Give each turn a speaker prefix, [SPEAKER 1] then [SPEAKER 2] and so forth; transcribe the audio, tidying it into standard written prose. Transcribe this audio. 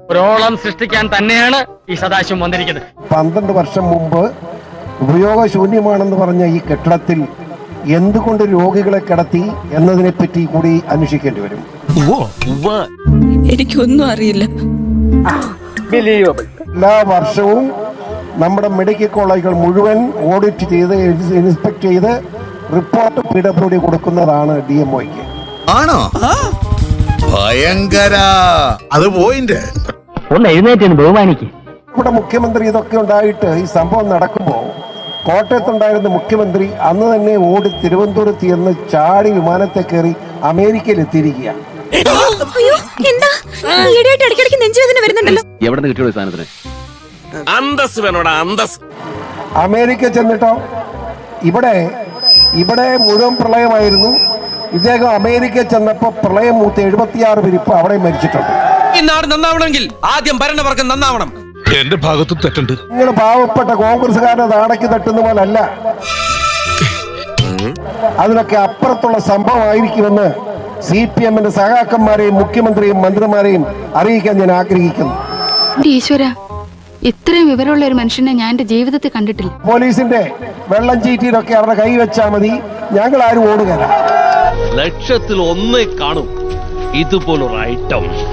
[SPEAKER 1] ഒരോളം സൃഷ്ടിക്കാൻ തന്നെയാണ് ഈ സദാശിവം വന്നിരിക്കുന്നത്.
[SPEAKER 2] 12 വർഷം മുമ്പ് ഉപയോഗശൂന്യമാണെന്ന് പറഞ്ഞ ഈ കെട്ടിടത്തിൽ എന്തുകൊണ്ട് രോഗികളെ കിടത്തി എന്നതിനെ പറ്റി കൂടി അന്വേഷിക്കേണ്ടി വരും.
[SPEAKER 3] എനിക്കൊന്നും അറിയില്ല.
[SPEAKER 2] എല്ലാ വർഷവും നമ്മുടെ മെഡിക്കൽ കോളേജുകൾ മുഴുവൻ ഓഡിറ്റ് ചെയ്ത് ഇൻസ്പെക്ട് ചെയ്ത് റിപ്പോർട്ട് PWD കൊടുക്കുന്നതാണ് DMOയ്ക്ക്.
[SPEAKER 4] ആണോ? ഭയങ്കര. അത് പോയിന്റ്.
[SPEAKER 1] ഒന്ന് എഴുന്നേറ്റ് ബഹുമാനിക്ക്.
[SPEAKER 2] ഇവിടെ മുഖ്യമന്ത്രി ഇതൊക്കെ ഉണ്ടായിട്ട് ഈ സംഭവം നടക്കുമ്പോൾ കോട്ടയത്തുണ്ടായിരുന്ന മുഖ്യമന്ത്രി അന്ന് തന്നെ ഓടി തിരുവനന്തപുരത്ത് എന്ന് ചാടി വിമാനത്തെ കയറി അമേരിക്കയിൽ എത്തിയിരിക്കുകയാണ്. അമേരിക്ക ചെന്നിട്ടോ ഇവിടെ മുഴുവൻ പ്രളയമായിരുന്നു. ഇദ്ദേഹം അമേരിക്ക ചെന്നപ്പോ പ്രളയം മൂത്ത് 76 പേര് ഇപ്പൊ അവിടെ മരിച്ചിട്ടുണ്ട്.
[SPEAKER 5] ഈ നാട് നന്നാവണമെങ്കിൽ ആദ്യം ഭരണവർഗം നന്നാവണം.
[SPEAKER 6] എന്റെ ഭാഗത്തും തെറ്റുണ്ട്.
[SPEAKER 2] നിങ്ങൾ പാവപ്പെട്ട കോൺഗ്രസ്സുകാരുടെ നാടക്ക് തട്ടുന്ന പോലല്ല, അതിനൊക്കെ അപ്പുറത്തുള്ള സംഭവമായിരിക്കുമെന്ന് CPM-ന്റെ സഹാക്കന്മാരെയും മുഖ്യമന്ത്രിയും മന്ത്രിമാരെയും അറിയിക്കാൻ ഞാൻ ആഗ്രഹിക്കുന്നു.
[SPEAKER 7] ഈശ്വര, ഇത്രയും വിവരമുള്ള ഒരു മനുഷ്യനെ ഞാൻ എന്റെ ജീവിതത്തിൽ കണ്ടിട്ടില്ല.
[SPEAKER 2] പോലീസിന്റെ വെള്ളം ചീറ്റിയിലൊക്കെ അവരുടെ കൈവച്ചാൽ മതി, ഞങ്ങൾ ആരും ഓടുകയില്ല.
[SPEAKER 8] ലക്ഷത്തിൽ ഒന്നേ കാണും ഇതുപോലൊരു ഐറ്റം.